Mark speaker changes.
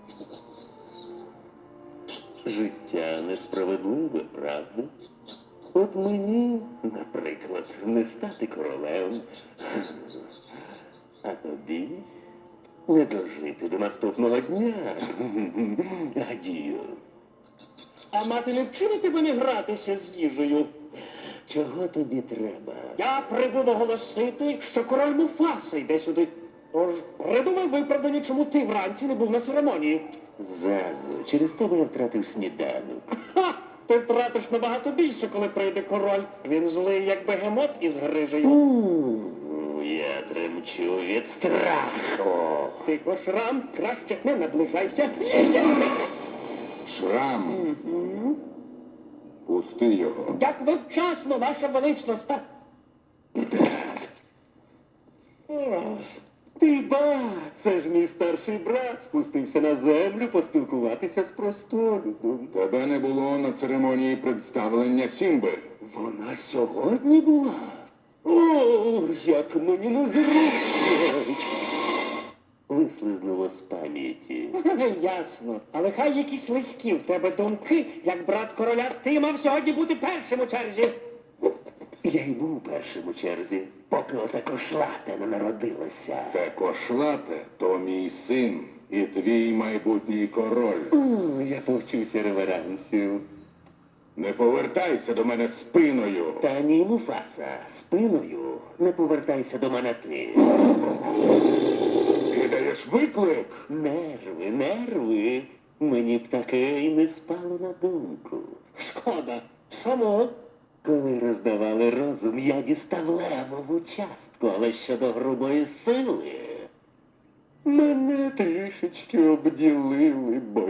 Speaker 1: Життя несправедливе, правда? От мені, наприклад, не стати королем, а тобі не дожити до наступного дня. Адію.
Speaker 2: А мати не вчила тебе не гратися з їжею?
Speaker 1: Чого тобі треба?
Speaker 2: Я прибув оголосити, що король Муфаса йде сюди. Тож придумай виправдання, чому ти вранці не був на церемонії.
Speaker 1: Зазу, через тебе я втратив сніданок.
Speaker 2: Ха! Ти втратиш набагато більше, коли прийде король. Він злий, як бегемот із грижею.
Speaker 1: Я тремчу від страху.
Speaker 2: Тихо, Шрам, краще не наближайся.
Speaker 3: Шрам. Пусти його.
Speaker 2: Як ви вчасно, ваша величність.
Speaker 1: Ти ба, це ж мій старший брат спустився на землю поспілкуватися з простолюдом.
Speaker 3: Тебе не було на церемонії представлення Сімби.
Speaker 1: Вона сьогодні була? О, як мені незручно. Вислизнуло з пам'яті.
Speaker 2: Ясно. Але хай якісь слизькі в тебе думки, як брат короля, ти мав сьогодні бути першим у черзі.
Speaker 1: Я й був першим у черзі, поки ота кошлата не народилася.
Speaker 3: Те кошлате то мій син і твій майбутній король.
Speaker 1: Я повчуся реверансів.
Speaker 3: Не повертайся до мене спиною.
Speaker 1: Та ні, Муфаса, спиною не повертайся до мене ти.
Speaker 3: Кидаєш виклик.
Speaker 1: Нерви, нерви. Мені б таке й не спало на думку.
Speaker 2: Шкода. Чому?
Speaker 1: Коли роздавали розум, я дістав левову частку, але щодо грубої сили мене трішечки обділили, бо